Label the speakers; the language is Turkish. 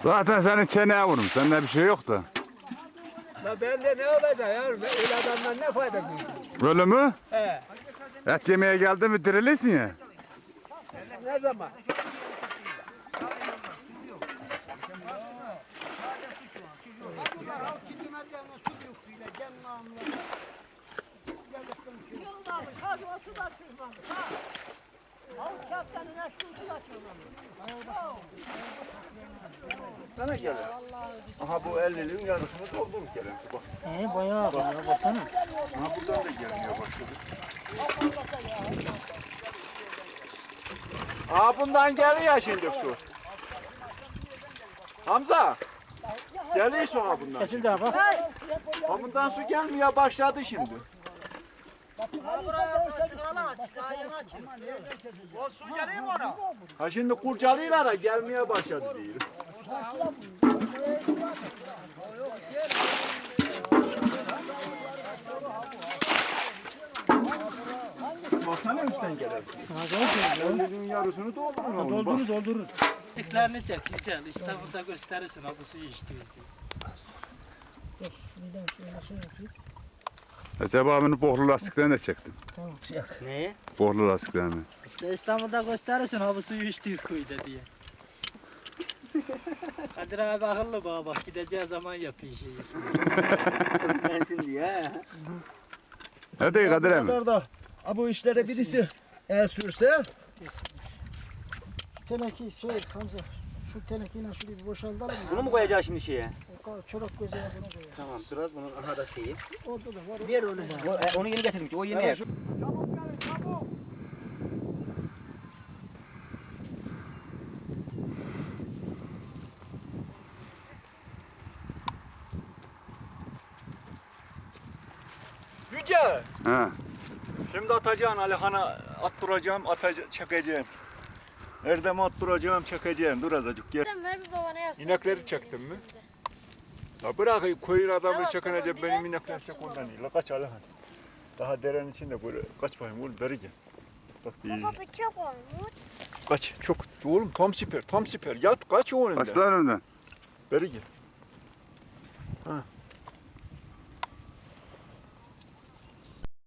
Speaker 1: Zaten senin çeneye vurum. Sende bir şey yok da.
Speaker 2: La bende ne olacak ya? Öyle adamdan ne fayda duyuyor?
Speaker 1: Böyle mü?
Speaker 2: He.
Speaker 1: Et yemeye geldi mi dirilirsin ya.
Speaker 2: Ne zaman?
Speaker 3: Sana gelir. Aha bu 50'liğin yarısını doldurmuş gelen su bak.
Speaker 4: Bayağı baksana.
Speaker 3: Aha buradan da gelmeye başladı. Aa bundan geliyor şimdi su. Hamza. Geliyor sonra bundan.
Speaker 4: Kesildi abi.
Speaker 3: Ha bundan su gelmeye başladı şimdi.
Speaker 2: O su geliyor mu ona?
Speaker 3: Ha şimdi kurcalıyorlar da gelmeye başladı diyor. Baksana üstten gelen. Elinin yarısını doldurun oğlum. Bak.
Speaker 4: Doldurur.
Speaker 5: Diklerini çek güzel. İstanbul'da gösterirsin ha bu suyu içtiği.
Speaker 1: Recep abinin bohlu lastiklerini de çektim.
Speaker 5: Ne?
Speaker 1: Bohlu lastiklerini.
Speaker 5: İşte İstanbul'da gösterirsin ha bu suyu içtiğiz kuyuda diye. Kadir abi akıllı bana bak gideceği zaman yapıyor şeyi. Bensin diye.
Speaker 1: Hadi Kadir emmi.
Speaker 2: kadar da bu işlere birisi el sürse
Speaker 4: Teneki Hamza. Şu tenekiyle şurayı bir boşaltalım.
Speaker 5: Bunu mu koyacağız şimdi şeye?
Speaker 4: Çorak gözüne bunu koyalım.
Speaker 5: Tamam biraz bunun aha da şeyi.
Speaker 4: Orada da var.
Speaker 5: Bir öyle onu yeni getirdim ki o yeni yer.
Speaker 3: Yüce.
Speaker 1: Ha.
Speaker 3: Şimdi atacaksın Alihan'a attıracağım, çekeceğim. Erdem'e attıracağım, çekeceğim. Dur azıcık gel.
Speaker 6: Ver bir babana yapsın.
Speaker 3: İnekleri çektin mi? La bırak koyun adamı çekince benim inekler çek ondan değil. La kaç Alihan. Daha derenin içinde böyle kaç bakayım oğlum beri gel. Bak bir
Speaker 6: Baba çok olmuş.
Speaker 3: kaç çok oğlum tam siper tam siper yat kaç o önünden.
Speaker 1: Kaçlar önünden.
Speaker 3: Beri gel.